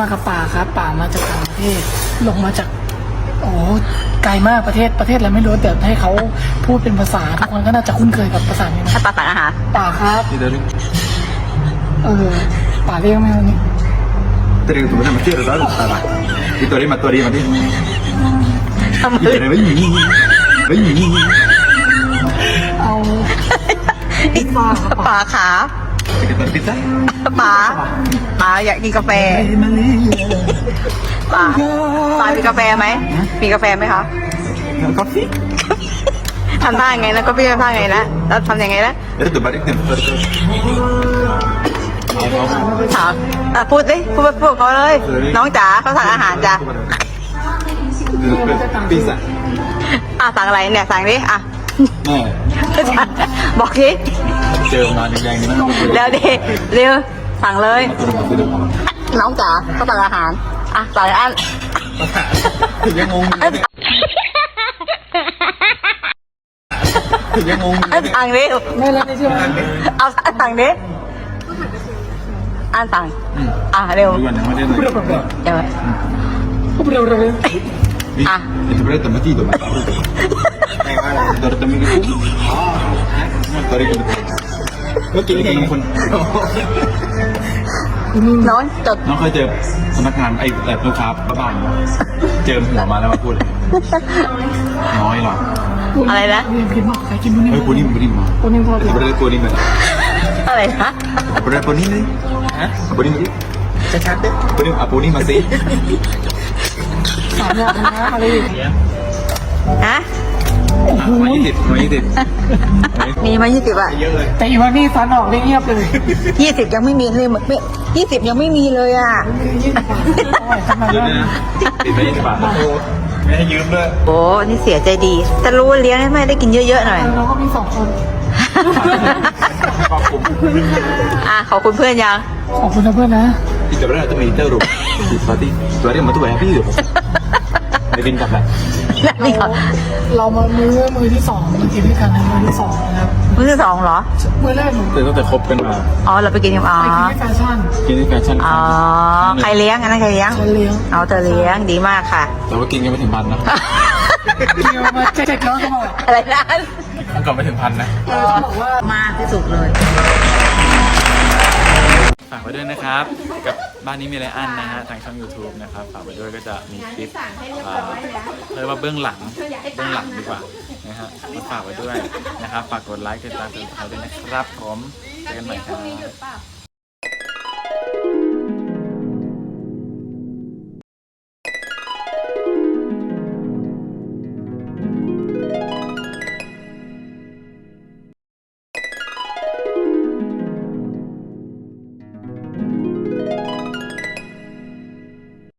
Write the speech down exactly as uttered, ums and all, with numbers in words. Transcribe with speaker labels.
Speaker 1: มากับป่าครับป่ามาจากต่างประเทศลงมาจากโอ้ไกลมากประเทศประเทศอะไรไม่รู้แต่ให้เขาพูดเป็นภาษาทุกคนก็น่าจะคุ้นเคยกับภาษานี้นะ
Speaker 2: ถ้าป่าสั่งอาหาร
Speaker 1: ป่าครับ
Speaker 3: นี่เดี๋ยวนี้
Speaker 1: เออป่าเรียกไหมวันนี้
Speaker 3: เตรียมตัวมาเที่ยวแล้วอะไรนี่ตัวนี้มาตัวนี้มาดิ
Speaker 2: ทำไม
Speaker 3: นี่อะไรไม่มีไม่มี
Speaker 1: เอาพิซซ่าครับ
Speaker 2: ป่าขา
Speaker 3: จะกินพิซซ่า
Speaker 2: ป่าป่าอยากกินกาแฟป่าป่ามีกาแฟไหมมีกาแฟไหมคะ
Speaker 3: กาแฟ
Speaker 2: ทำท่าไงนะก็พี่ทำท่าไงนะแล้วทำยังไงนะ
Speaker 3: เดี๋ยวตัวบาริกเนี่ย
Speaker 2: ถามอ่ะพูดดิพูดพูดเขาเลยน้องจ๋าเขาสั่งอาหารจ้ะ
Speaker 3: พิซซ่า
Speaker 2: อ่ะสั่งอะไรเนี่ยสั่งดิอ่ะ
Speaker 3: แม่
Speaker 2: บอกดิ
Speaker 3: เจอมาแดงๆนี่นะ
Speaker 2: เร็วดิเร็วสั่งเลย น้องจ๋าเขาสั่งอาหารอ่ะสั่งอัน
Speaker 3: ยังงงอยู่เนี่ยยังงงอยู่
Speaker 2: อัน
Speaker 3: เนี่ย
Speaker 2: สั่งดิ
Speaker 1: ไม่แล้วไม่ใช่ไหม
Speaker 2: เอาอันสั่งดิอันสั่งอ่ะเร็ว
Speaker 3: ดูกันยังไม่ได้เลย
Speaker 2: เดี๋ยว
Speaker 1: พูดเร็วเร็ว
Speaker 2: อ่ะ
Speaker 3: itu berarti tempat itu mas dari temen itu dari ituก็กินกันคน
Speaker 2: น้องจด
Speaker 3: น้องเคยเจอพนักงานไอ้แบบลูกค้าบ้านเจอหัวมาแล้วมาพูดน้อยหรอ
Speaker 2: อะไรนะ
Speaker 1: เรียนผิดมากใครกินบุญนี่
Speaker 3: เฮ้ยปูนิ่มปูนิ่มมา
Speaker 1: บุญนี่พอ
Speaker 3: itu berartiปูนิ่มเลย
Speaker 2: อะไรนะ
Speaker 3: berartiปูนิ่มเลยฮะปูนิ่มดิชัดๆดิปูนิ่มอ่ะปูนิ่มมาสิ
Speaker 1: สามอย่างนะอะไรอีก
Speaker 2: ฮะ
Speaker 3: มายี่สิบมายี่สิบ
Speaker 2: มีมายี่สิบอ่ะ
Speaker 3: เยอะเลย
Speaker 1: แต่อีวันนี้ฟันออกได้เงียบเลย
Speaker 2: ยี่สิบยังไม่มีเลยเหมือนไม่ยี่สิบยังไม่มีเลยอ่ะ
Speaker 1: ยี่สิบบาทอร่อยขนาด
Speaker 3: เยอะ
Speaker 1: นั้น
Speaker 3: นะติดไปยี่สิบบาทไม่ให้ยืมด้วย
Speaker 2: โอ้นี่เสียใจดีแต่รู้ว่าเลี้ยงให้แม่ได้กินเยอะๆหน่อย
Speaker 1: เราก็มีสองคน
Speaker 3: ขอบคุณ
Speaker 2: อ่ะขอบคุณเพื่อนยัง
Speaker 1: ขอบคุณนะเพื่อนนะ
Speaker 3: ที่จะberarti militer bro di Pati dua hari sama tuh happy tuhในบินกลับแหละ
Speaker 2: นี่ก่อน
Speaker 1: เรามามือมือที่สองมากินด้วยกันนะมือที่สองนะครับ
Speaker 2: มื้อที่สองเหรอ
Speaker 1: มือแรกหนู
Speaker 3: แต่ตั้งแต่คบกันมา
Speaker 2: อ๋อเราไปกินกันอ๋อ
Speaker 1: ไปกินที่แฟชั่น
Speaker 3: กินที่แฟชั่น
Speaker 2: อ๋อใครเลี้ยงอันนั้นใครเลี้ยง
Speaker 1: ฉันเลี้ยง
Speaker 2: เอาเธอเลี้ยงดีมากค่ะ
Speaker 3: แต่ว่ากินกันไม่ถึงพันนะ
Speaker 1: เกี่ยวมาเจ็ดร้อยกว่าบาท
Speaker 2: อะไรนะ
Speaker 3: ก่อนไม่ถึงพันนะ
Speaker 1: เออเขาบอกว่าม
Speaker 2: ากที่สุดเลย
Speaker 4: ฝากไว้ด้วยนะครับ กับบ้านนี้มีอะไรอันนะฮะทางช่อง YouTube นะครับฝากไว้ด้วยก็จะมีคลิปเอ่อเรียกว่าเบื้องหลังเบื้องหลังดีกว่านะฮะมาฝากไว้ด้วยนะครับฝากกดไลค์กดติดตามกดติดตามด้วยนะครับผมเจอกันใหม่ครับ